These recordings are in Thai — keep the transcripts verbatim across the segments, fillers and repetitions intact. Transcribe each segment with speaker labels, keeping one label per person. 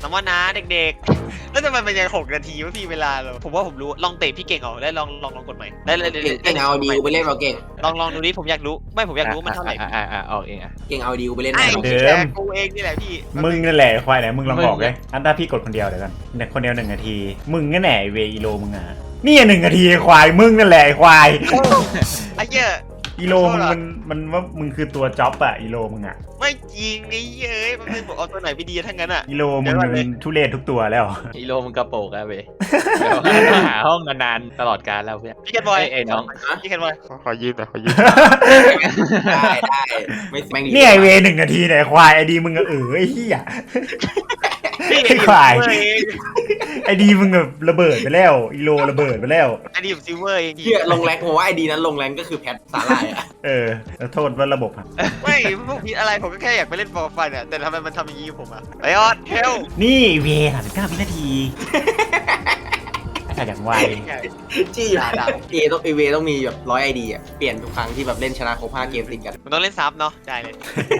Speaker 1: น้ำว่านะเด็กๆแล้วทำไมมันยังหกนาทีวะพี่เวลาเราผมว่าผมรู้ลองเตะพี่เก่งออกได้ลองลองลองกดใหม่ได้เลย
Speaker 2: เก่งเก่งเอาดีกูไปเล่นเราเก่ง
Speaker 1: ลองลองดูดิผมอยากรู้ไม่ผมอยากรู้มันเท่าไหร่
Speaker 3: อ่าอ่าออกเองอ่ะ
Speaker 2: เก่งเอาดีกูไปเล่น
Speaker 1: ไอ้
Speaker 2: เรา
Speaker 1: เดิมกูเองนี่แหละพี่
Speaker 4: มึงนั่นแหละควายไหนมึงลองบอกเลยอันถ้าพี่กดคนเดียวเดี๋ยวกันคนเดียวหนึ่งนาทีมึงนั่นแหละเวอีโลมึงอ่ะนี่หนึ่งนาทีควายมึงนั่นแหละควาย
Speaker 1: ไอ้เหี้ย
Speaker 4: อีโลมึงมันมันว่ามึงคือตัวจ็อบอะอีโลมึงอะ
Speaker 1: ไม่จริงไอ้เหี้ยมันเป็นบอกเอาตัวไหนไปดีทั้งนั้นอ่ะ
Speaker 4: อีโลมึงมันทุเรศทุกตัวแล้ว
Speaker 3: อีโลมันกระโปงอะเว้ยหาห้องนานๆตลอดการแล้วเพื่อน
Speaker 1: พี่แคทบอย
Speaker 3: ไอ้น้อง
Speaker 1: พี่แคทบอย
Speaker 5: ขอยืมหน่อยขอยืม
Speaker 2: ได้ได้ไม่แม่งดี
Speaker 4: เนี่ยไอเวหนึ่งนาทีเนี่ยควายไอดีมึงอะเออไอ้เหี้ย
Speaker 1: พี่
Speaker 4: ไอ้ควาย
Speaker 1: เอง
Speaker 4: ไอดีมึงแบบระเบิดไปแล้วอีโลระเบิดไปแล้ว
Speaker 1: ไอ้นี่ผมซิลเวอร์เอง
Speaker 2: เฮียลงแรงผมว่าไอดีนั้นลงแรงก็คือแพทสาลายอ่ะ
Speaker 4: เออแล้วโทษว่าระบบอะ
Speaker 1: ไม่พวกพี่อะไรผมก็แค่อยากไปเล่นฟอร์ฟันอ่ะแต่ทำไมมันทำอย่างนี้กับผมอ่ะไอออดเฮล
Speaker 4: นี่เวสามสิบเก้าวินาทีไอ้สัตว์อย่างไว
Speaker 2: จี้ด่าด่าเอต้องเอเวต้องมีแบบร้อยไอดีอ่ะเปลี่ยนทุกครั้งที่แบบเล่นชนะครบห้าเกมติดกัน
Speaker 1: มันต้องเล่นซับเนาะได้เลย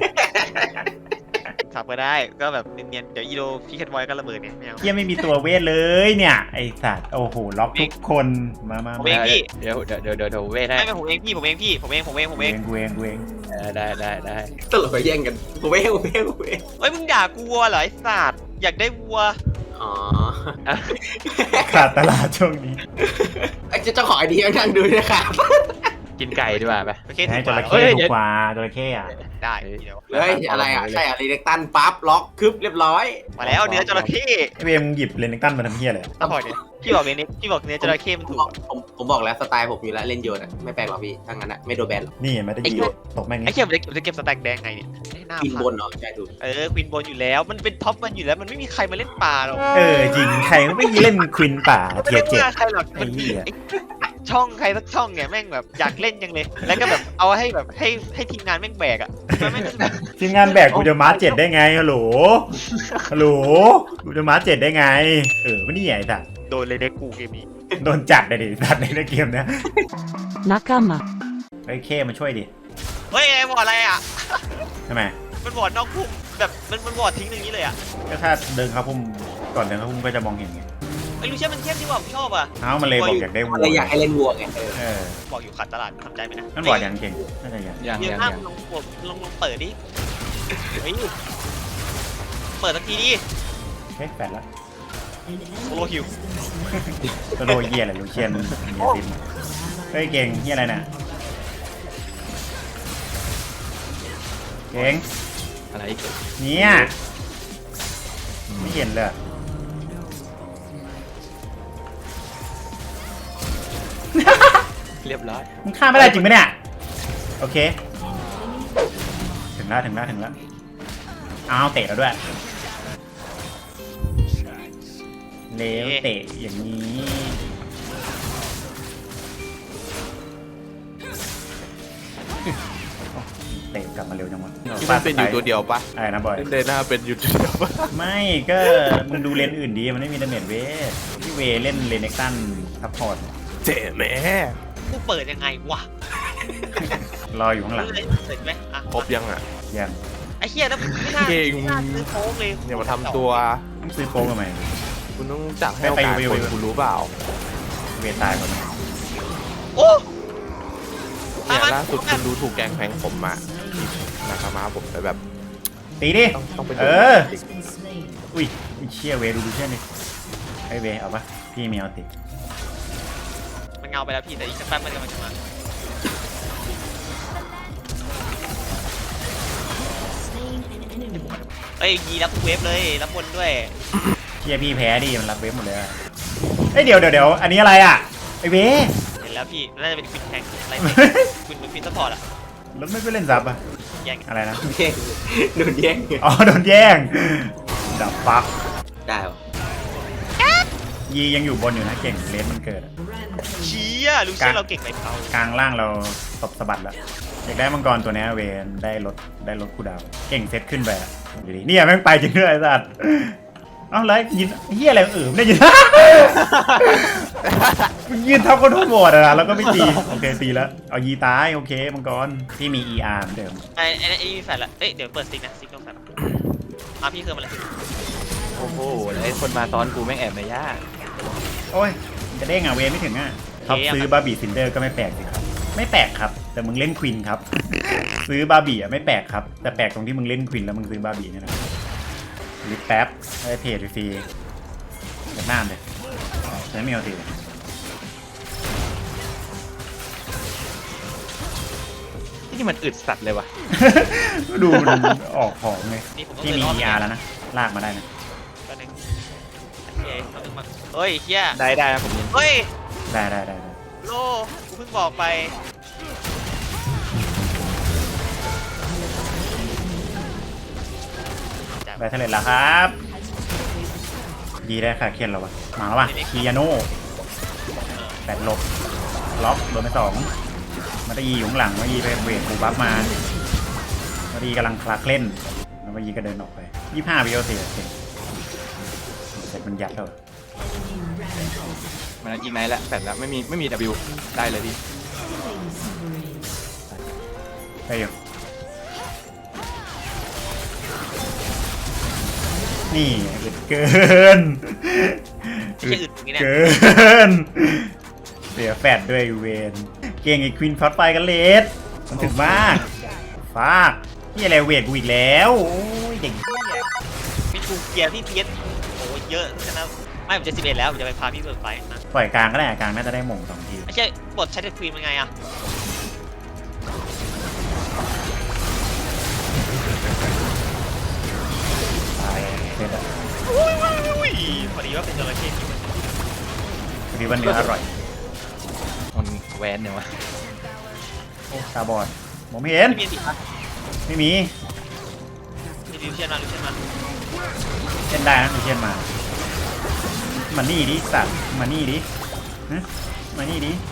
Speaker 1: ซับก็ได้ก็แบบเนียนๆเดี๋ยวอีโดพี่แคทบอยก็ระเบิดเนี่ยไม่เอา
Speaker 4: เหี้ยไม่มีตัวเวทเลยเนี่ยไอสัตว์โอ้โหล็อกทุกคนมามา
Speaker 1: ผมเองพี่
Speaker 3: เดี๋ยวเดี๋ยวเดี๋ยวเดี๋ยวเดี๋ยวเวทให้
Speaker 1: ไม่ไม่ผมเองพี่ผมเองพี่ผมเองผมเองผม
Speaker 4: เว
Speaker 1: เอง
Speaker 4: งเวงเวง
Speaker 3: เออได้ได้ได้
Speaker 2: ตลกไปแย่งกันกูเว้ยกูเว้ยกูเว้ย
Speaker 1: เฮ้ยมึงด่ากูวัวเหรอไอ้สัตว์อยากได้วัว
Speaker 2: อ๋อ
Speaker 4: ขาดตลาดช่วงนี้
Speaker 2: ไอ้เจ้าของไอดีนั่งดูนะครับ
Speaker 3: กินไก่ดีกว่าไป
Speaker 1: โอเค
Speaker 4: ให้
Speaker 1: ถู
Speaker 4: จ
Speaker 1: ก
Speaker 4: ระ
Speaker 1: ก
Speaker 4: เข้
Speaker 1: ว่า
Speaker 4: ถูกกว่าจระเข้อะ
Speaker 1: ได้เดี๋ยว
Speaker 2: เฮ้ยอะไรอ่ะใช่อ่ะรีเล็กตันปั๊บล็อกคึบเรียบร้อย
Speaker 1: มาแล้วเนื้อจระเข้
Speaker 4: ไอเวมึงหยิบเลนตันมาทำเหี้ยเลย
Speaker 1: ต้องบอกเนี่ยพี่บอกเนื้อพี่บอกเนื้อจระเข้มันถูก
Speaker 2: ผมผมบอกแล้วสไตล์ผมอยู่แล้วเล่นโยนอ่ะไม่แปลกหรอกพี่ถ้างั้นอ่ะไม่โดนแบนหรอก
Speaker 4: นี่มันได้ยิงตกแม่ง
Speaker 1: ไอ้
Speaker 4: นี่
Speaker 1: เขี้ยมันจะมันจะเก็บสแต็กแดงไงเนี่ยหน้า
Speaker 2: กิน
Speaker 1: พั
Speaker 2: บ
Speaker 1: ง
Speaker 2: นเนาะใช่ถูก
Speaker 1: เออควินบนอยู่แล้วมันเป็นท็อปมันอยู่แล้วมันไม่มีใครมาเล่นป่าหรอก
Speaker 4: เออจริงใครก็ไม่เล่นควินป่า
Speaker 1: ไม่
Speaker 4: เทีย
Speaker 1: ได้
Speaker 4: เจ็ด
Speaker 1: ว่าใครหรอก
Speaker 4: ไอ้เหี้ย
Speaker 1: ช่องใครสักช่องเนี่ยแม่งแบบอยากเล่นจังเลยแล้วก็แบบเอาให้แบบให้ให้ทีมงานแม่งแบกอ่ะมันไม่ได้แบบ
Speaker 4: ทีมงานแบกกูจะมาร์เจ็ดได้ไงฮัลโหลฮัลโหลกูจะมาร์เจ็ดได้ไงเออไม่นี่ไอ้สัตว์
Speaker 1: โดนเลยเด็กกูเกมนี้
Speaker 4: โดนจัดเลยดิสัตว์ในเกมเนี้ย
Speaker 6: 仲間
Speaker 4: ไอ้เคมาช่วยดิ
Speaker 1: เฮ้ยไอ้บอร์ดอะไรอ่ะ
Speaker 4: ทำไม
Speaker 1: มันบอร์ดนอกพุ่มแบบมันมันบอร์ดทิ้งอย่างนี้เลยอ่ะ
Speaker 4: ก็ถ้าเดินเข้าพุ่มก่อนเดินเข้าพุ่มก็จะมองเห็นไง
Speaker 1: ไอ้ลูเชียนมันเข้มที่ว่าผมชอบอ่ะ
Speaker 4: เอ้ามันเลยบอกอยากได้วัว
Speaker 2: อะไรอยากให้เล่นวัวไงเออ
Speaker 4: เออ
Speaker 1: บอกอยู่ขาดตลาดทำใจไหมนะ
Speaker 4: นั่นบอกยังเก่งน่าจะยัง
Speaker 3: ยัง
Speaker 1: เดี๋ยว
Speaker 3: ยัง
Speaker 1: หน้า
Speaker 3: ยัง
Speaker 1: ลองลองลองลองเปิดดิเฮ้ยเปิดสักทีดิ
Speaker 4: เฮ้ยแปดละ
Speaker 1: โซโลฮิว
Speaker 4: ตัวโดเยียอะไรลูเชียนเยียซิมเฮ้ยเก่งเฮียอะไรน่ะเก่ง
Speaker 3: อะไรอีก
Speaker 4: เนี่ยไม่เห็นเลย
Speaker 3: เรียบร้อย
Speaker 4: มึงฆ่าไม่ได้จริงไหมเนี่ยโอเคถึงแล้วถึงแล้วถึงแล้วอ้าวเตะแล้วด้วยเลวเตะอย่างนี้เตะกลับมาเร็วจังวะ
Speaker 5: ที่มันเป็นอยู่ตัวเดียวปะ
Speaker 4: อะไรนะบอย
Speaker 5: เดน่าเป็นอยู่ตัวเดียวปะ
Speaker 4: ไม่ก็มึงดูเลนอื่นดีมันไม่มีดาเมจเวทพี่เวเล่นเลนเน็กตันซัพพอร์ต
Speaker 5: เจ๋แม่
Speaker 1: กูเปิดยังไงวะ
Speaker 4: รออยู่ข้างหลัง
Speaker 1: เลยเสร็จไหมอ่ะ
Speaker 5: ครบยังอ่ะ
Speaker 4: ยัง
Speaker 1: ไอ้เฮียแล้วไม่น่า
Speaker 5: เก่ง
Speaker 1: ไม่น่าซื้อโค้งเลย
Speaker 5: เนี่ยมาทำตัว
Speaker 4: ต้องซื้อโค้งทำไม
Speaker 5: คุณต้องจับให้โอกาส
Speaker 4: ไปไป
Speaker 5: คน
Speaker 4: ไป
Speaker 5: คุณรู้เปล่า
Speaker 4: เวทตายก่อนนะ
Speaker 1: โอ้
Speaker 5: เนี่ยล่าสุดคุณดูถูกแกงแพงผมอ่ะนะครับมาผมไปแบบ
Speaker 4: ตีดิ
Speaker 5: ต้องต้องไปดู
Speaker 4: เอออุ้ยอุ้ยเชี่ยเวดูดูเชี่ยนี่ไอเวเอาปะพี่มีเอาติด
Speaker 1: มันเงาไปแล้วพี่แต่อีกสักแป๊บมันกำลังจะมาเอ้ยยีรับทุกเวฟเลยรับบนด้วย
Speaker 4: เชี่ยพี่แพ้ดิมันรับเวฟหมดเลยอะเอ้ยเดี๋ยวเดี๋ยวเดี๋ยวอันนี้อะไรอ่ะไอเว
Speaker 1: เห็นแล้วพี่น่าจะเป็นควินแทงอะไรคุณเป็นควินซัพพอร์ตอะ
Speaker 4: แล้วไม่ไปเล่นซับอ่ะ
Speaker 1: แย่ง
Speaker 4: อะไรนะ
Speaker 2: แย่งโดนแย่ง
Speaker 4: อ๋อโดนแย่งดับฟัก
Speaker 2: ได้เหรอ
Speaker 4: ยียังอยู่บนอยู่นะเก่งเลนมันเกิดอะ
Speaker 1: เชี่ยลูเชียนเราเก่งไปเขา
Speaker 4: กลางล่างเราตบสะบัดแล้วอยากได้มังกรตัวนี้เวนได้ลดได้ลดคูลดาวน์เก่งเซตขึ้นไปอะอยู่ดีเนี่ยแม่งไปจริงด้วยไอ้สัตว์เอ้าแล้วยืนเฮียอะไรเออไม่ได้ยืน มึงยืนทับคนทั่วหมดอะแล้วก็ไม่ตีโอเคตีแล้วเอายีตายโอเคมังกรพี่มี อี อาร์ เหมือนเดิม
Speaker 1: ไอ้ไอ้ไอ้แฟลละเอ้ยเดี๋ยวเปิดซิกนะซิกต้องแฟลอ่ะพี่คือมันเลย
Speaker 4: โ
Speaker 3: โอ้โหไอ้คนมาซ้อนกูแม่งแอบในย่า
Speaker 4: โอ้ยจะเด้งอ่ะเวไม่ถึงอ่ะท็อปซื้อบาร์บี้ซินเดอร์ก็ไม่แปลกสิครับไม่แปลกครับ แต่มึงเล่นควินครับ ซื้อบาร์บี้อ่ะไม่แปลกครับแต่แปลกตรงที่มึงเล่นควินแล้วมึงซื้อบาร์บี้นี่แหละลิปแป๊บได้เพจฟรีๆจากหน้าเลยใช้ไม่เอาสิ
Speaker 3: ที่มันอึดสัตว์เลยว่ะ
Speaker 4: ดูมันออกของเลย
Speaker 1: นี่ผมก็
Speaker 4: ที่
Speaker 1: เคย
Speaker 4: มี
Speaker 1: รอด
Speaker 4: อี อาร์แล้วนะลากมาได้นะ
Speaker 1: ก็หนึ่งเฮ้ยเอาหนึ่งมาเฮ้ยเฮีย
Speaker 3: ได้ได้ครับผมยิน
Speaker 1: เฮ้ย
Speaker 4: ได้ได้ได้ได้
Speaker 1: โลกูเพิ่งบอกไป
Speaker 4: ได้เท่าไหร่ละครับยีได้ค่ะเคียนเราวะมาแล้ววะคียาโน่แปดลบล็อกโดนไปสองมาตายีอยู่ข้างหลังมายีไปเวทบูบัฟมามาตายีกำลังคลาเคล่นแล้วมายีก็เดินออกไปยี่ห้าวิโอเสียเสร็จเสร็จมันยัดแล้ว
Speaker 3: มันอีกไนท์ละแต่ละไม่มีไม่มี W ได้เลยพี่
Speaker 4: ไปอยู่นี่อึดเกิน
Speaker 1: ไม่ใช่อึดอย่างนี้เนี่ย
Speaker 4: เกินเสียแฟดด้วยเวนเก่งไอ้ควินฟอสไฟกันเลสมันถึงมากฟากนี่อะไรเวทกูอีกแล้วโอ้ยเด็ก
Speaker 1: มีทูเกียร์ที่เพียสโอ้เยอะขนาดไม่ผมจะสิบเอ็ดแล้วผมจะไปพาพี่เบิร์ดไปนะ
Speaker 4: ปล่อยกลางก็ได้กลางน่าจะได้หม่งสองที
Speaker 1: ไม่ใช่บทใช้เดอะควีนเป็นไงอะ
Speaker 4: ตายเสร็จอะ
Speaker 1: อุ้ยอุ้ยพอดีว่าเป็นจระเข้ที่มัน
Speaker 4: พอดีวันเนื้ออร่อย
Speaker 3: มันแวนเนี่ยวะ
Speaker 4: โอ้ตาบอดมองไม่เห็น
Speaker 1: ไม่มีสิครับ
Speaker 4: ไม่มี
Speaker 1: มีดิวเชียนมาดิวเชียนมา
Speaker 4: เล่นได้นะมีเชียนมามานี่ดิสัตว์มานี่ดิฮะมานี่ดิ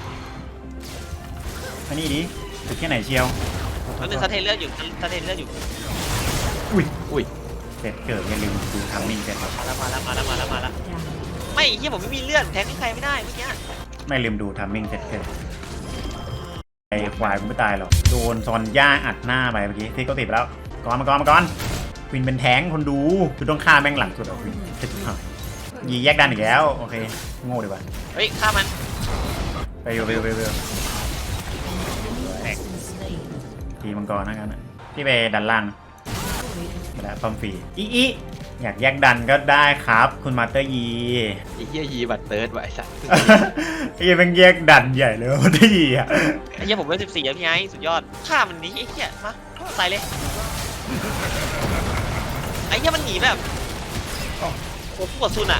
Speaker 4: มานี่ดิถึงแค่ไหนเชียว
Speaker 1: แล้วนึงสะเทนเลือดอยู่สะเทนเลือดอยู่
Speaker 4: อุ้ย
Speaker 3: อุ้ย
Speaker 4: เสร็จเกิดอย่าลืมดูทำมิ่งเสร็จครับ
Speaker 1: มาแล้วมาแล้วมาแล้วมาแล้วมาแล้วไม่เฮียผมไม่มีเลือดแทงให้ใครไม่ได้เมื่อกี้
Speaker 4: ไม่ลืมดูทำมิ่งเสร็จเกิดไอ้ควายกูไม่ตายหรอกโดนซอนย่าอัดหน้าไปเมื่อกี้ที่เขาติดไปแล้วก่อนมาก่อนมาก่อนควินเป็นแท้งคนดูคือต้องฆ่าแม่งหลังสุดอ่ะควินจะจุดหายยีแยกดันอีกแล้วโอเคโง่ดีกว่า
Speaker 1: เฮ้ยฆ่ามัน
Speaker 4: ไปอยู่ไปอยู่ไปอยู่ไปอยู่
Speaker 1: แตก
Speaker 4: ทีมังกรนะกันนะที่ไปดันล่างมาแล้วปั๊มฟรีอีอีอยากแยกดันก็ได้ครับคุณมาสเตอร์ยี
Speaker 3: ไอ้เหี้ยยีบัตเติร์ดว่ะไอ้สัตว์
Speaker 4: ไอ้ยังแม่งแยกดันใหญ่เลยมาสเตอร์ยีอ่ะ
Speaker 1: ไอ้เฮียผมเลือดสิบสี่แล้วพี่ไอ้สุดยอดฆ่ามันนี้ไอ้เฮียมาใส่เลยไอ้เฮียมันหนีแบบโอ้โหปวดซุนอะ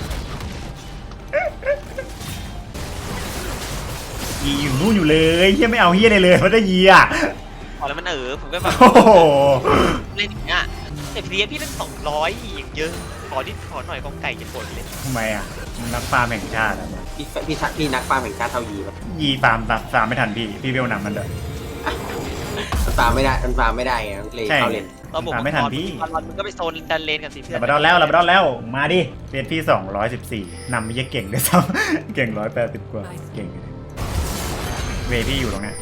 Speaker 4: ยีอยู่นู่นอยู่เลยเฮียไม่เอาเฮียเลยเลยมาสเตอร์ยีอ่ะ
Speaker 1: พอแล้วมันเออผมก็แบบ
Speaker 4: โอ้โห
Speaker 1: เล่นอย่างเงี้ยแต่พีเอพี่เล่นสองร้อยอย่างเยอะขอนิดขอหน่อยกองไก่จะปวดเลย
Speaker 4: ทำไมอ่ะมันนักฟาร์มแห่งชาติอ่ะ
Speaker 2: พี่พี่ชักพี่นักฟาร์มแห่งชาติเท่ายีแบบ
Speaker 4: ยีฟาร์มตัดฟาร์มไม่ทันพี่พี่เวลนำมันเลย
Speaker 2: มันฟาร์มไม่ได้มันฟาร์มไม่ได้ไงมันเลย
Speaker 4: ใช่
Speaker 2: เข้าเลน
Speaker 1: เราบอก
Speaker 4: ตามไม่ทันพี่
Speaker 1: ตอนมึงก็ไปโซนดันเลนกันสิเพื่อ
Speaker 4: ลาน
Speaker 1: น
Speaker 4: บาดอนแล้วลาบาดอนแล้วมาดิเฟสพี่สองร้อยสิบสี่นำไม่เก่งด้วยซ้ำ เก่งร้อยแปดสิบกว่าเก่งเลยเวพี่อยู่ตรงเนี้ย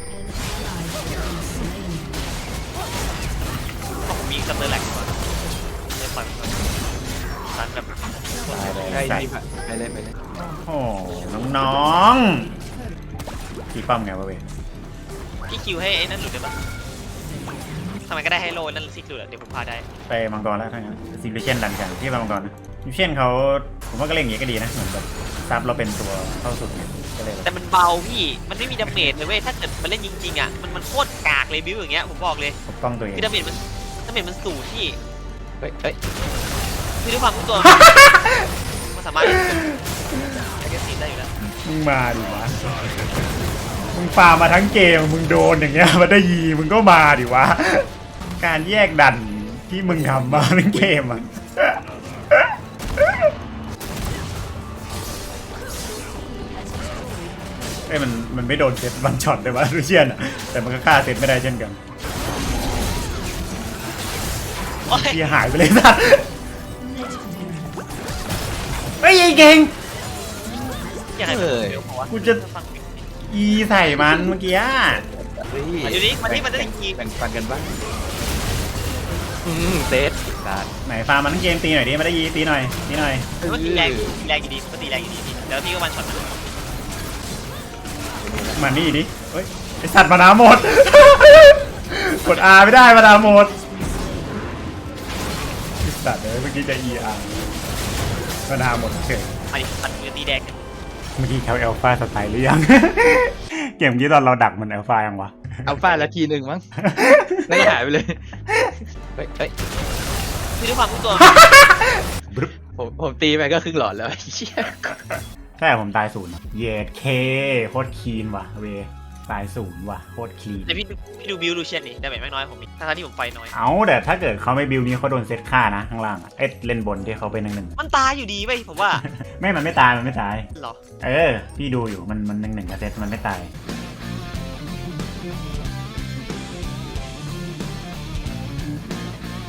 Speaker 1: ผมมีซัมเมอร์แหลกก่อนเลยปล่อยมันก่อนตันแบบ
Speaker 4: ตายเลย
Speaker 3: ใช่
Speaker 4: ใส่
Speaker 3: พี่ไปเลยไปเลย
Speaker 4: โอ้น้องๆพี่ป้อมไงวะเวย
Speaker 1: พี่คิวให้ไอ้นั่นหลุดได้ปะทำไมก็ได้ให้โลนั่นซิกหลุดอะเดี๋ยวผมพาได้
Speaker 4: ไปมังกรแล้วทั้งนั้นซิลิเชนดันกันที่ไปมังกรนะซิลิเชนเขาผมว่าก็เล่นอย่างงี้ก็ดีนะเหมือนแบบซับเราเป็นตัวเข้าสุดเนี่ยก็เลยแบบ
Speaker 1: แต่มันเบาพี่มันไม่มีดาเมจเลยเว้ยถ้าเกิดมันเล่นจริงๆอ่ะมันมันโคตรกากเลยบิวอย่างเงี้ยผมบอกเลย
Speaker 4: ปกป้องตัวเอง
Speaker 1: คือดาเมจมันดาเมจมันสูงที่
Speaker 3: เฮ้ยเฮ้ย
Speaker 1: คือด้วยความที่ตัว มันสามารถแอคทีฟได้อยู่แล้ว
Speaker 4: มึงมาดิวะมึงฟาร์มมาทั้งเกมมึงโดนอย่างเงี้ยมาได้ยีมึงก็มาดิวะการแยกดันที่มึงทำมาทั้งเกมอ่ะเอ้ยมันมันไม่โดนเซตวันช็อตเลยวะลูเชียนอ่ะแต่มันก็ฆ่าเซตไม่ได้เช่นกัน
Speaker 1: โอ้ย
Speaker 4: ที่หายไปเลยสัตว์เฮ้ยไอ้เก่ง
Speaker 1: ยังไง
Speaker 3: เฮ้ย
Speaker 1: เดี๋ยวบอกว่า
Speaker 4: กูจะอีใส่มันเมื่อกี้อะ
Speaker 3: เฮ้ย
Speaker 1: มาอยู่นี่มานี่มันจะได้ยิง
Speaker 3: แบ่งปันกันบ้างอืมเซตดาด
Speaker 4: ไหนฟาร์มมันทั้งเกมตีหน่อยดิไม่ได้ยีตีหน่อยตีหน่อย
Speaker 1: มันตีแรงตีแรงอยู่ดีมันตีแรงอยู่ดีพี่แล้วพี่ก็วันช็อตมัน
Speaker 4: มานี่ดิเฮ้ยไอสัตว์มานาหมด กด R ไม่ได้มานาหมดไอสัตว์เลยเมื่อกี้จะ E R มานาหมดเฉย
Speaker 1: มาดิมันมือตีแดง
Speaker 4: เมื่อกี้เขาเอลฟาสไตล์หรือยัง เกมกี้ตอนเราดักมันเอลฟายังวะ
Speaker 3: เอาฟาดแล้วทีหนึ่งมั้งไม่หายไปเลยเฮ้ยเฮ้ย
Speaker 1: พี่ด้วยความรู้ตัว
Speaker 3: ผมผมตีไปก็ครึ่งหลอดแล้วเชี่ย
Speaker 4: ใช่ผมตายศูนย์เยดเคโคตรคีนว่ะเวตายศูนย์ว่ะโคตรคลีน
Speaker 1: แต่พี่ดูพี่ดูบิวดูเช่นนี่ได้แบบไม่น้อยผมมีทั้งที่ผมไฟน้อย
Speaker 4: เอาแต่ถ้าเกิดเขาไม่บิวนี้เขาโดนเซตฆ่านะข้างล่างอะเอ็ดเล่นบนที่เขาเป็นหนึ่งหนึ่ง
Speaker 1: มันตายอยู่ดีเว้ยผมว่า
Speaker 4: ไม่มันไม่ตายมันไม่ตาย
Speaker 1: เหรอ
Speaker 4: เออพี่ดูอยู่มันมันหนึ่งหนึ่งกับเซตมันไม่ตาย